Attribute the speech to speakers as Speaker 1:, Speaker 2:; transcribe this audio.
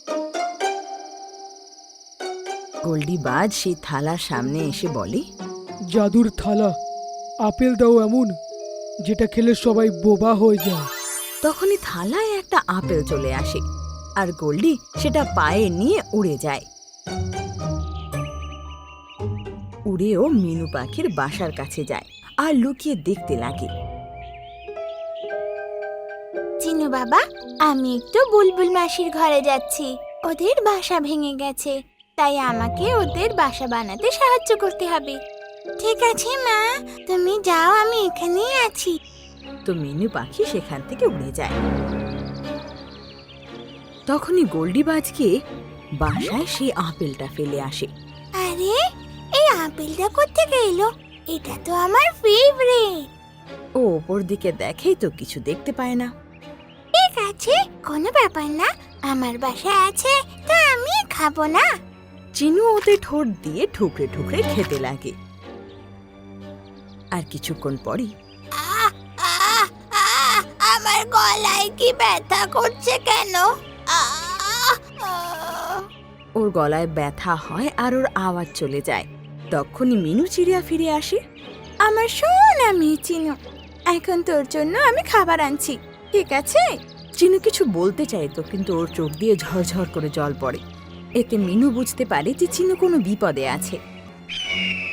Speaker 1: গোল্ডি বাজ সেই থালার সামনে এসে বলে,
Speaker 2: জাদুর থালা, আপেল দাও এমন যেটা খেলে সবাই বোবা হয়ে যায়।
Speaker 1: তখনই থালায় একটা আপেল চলে আসে আর গোল্ডি সেটা পায়ে নিয়ে উড়ে যায়। উড়েও মিনু পাখির বাসার কাছে যায় আর লুকিয়ে দেখতে লাগে।
Speaker 3: চিনু বাবা, আমি একটু বুলবুল মাসির ঘরে যাচ্ছি। ওদের বাসা ভেঙে গেছে, তাই আমাকে ওদের বাসা বানাতে সাহায্য করতে হবে। ঠিক আছে মা, তুমি যাও, আমি এখানেই আছি।
Speaker 1: তো মিনু পাখি সেখান থেকে উড়ে যায়। তখনই গোল্ডি বাজ গিয়ে বাসায় সেই আপেলটা ফেলে আসে।
Speaker 3: আরে, এই আপেলটা কোত্থেকে এলো? এটা তো আমার ফেভারিট।
Speaker 1: ও ওপর দিকে দেখেই তো কিছু দেখতে পায় না।
Speaker 3: ঠিক আছে, কোনো ব্যাপার না, আমার বাসা আছে, তা আমি খাবো না।
Speaker 1: চিনু ওতে ঠোঁট দিয়ে ঠুকরে ঠুকরে খেতে লাগে। আর কিছুক্ষণ পরই
Speaker 3: আহ, আহ, আহ, আমার গলায় কি ব্যথা করছে কেন? আহ, আহ।
Speaker 1: ওর গলায় ব্যথা হয় আর ওর আওয়াজ চলে যায়। তখনই মিনু চিড়িয়া ফিরে আসে।
Speaker 3: আমার সোনা মেয়ে চিনু, এখন তোর জন্য আমি খাবার আনছি, ঠিক আছে?
Speaker 1: চিনু কিছু বলতে চাইতো, কিন্তু ওর চোখ দিয়ে ঝরঝর করে জল পড়ে। এতে মিনু বুঝতে পারে যে চিনু কোনো বিপদে আছে।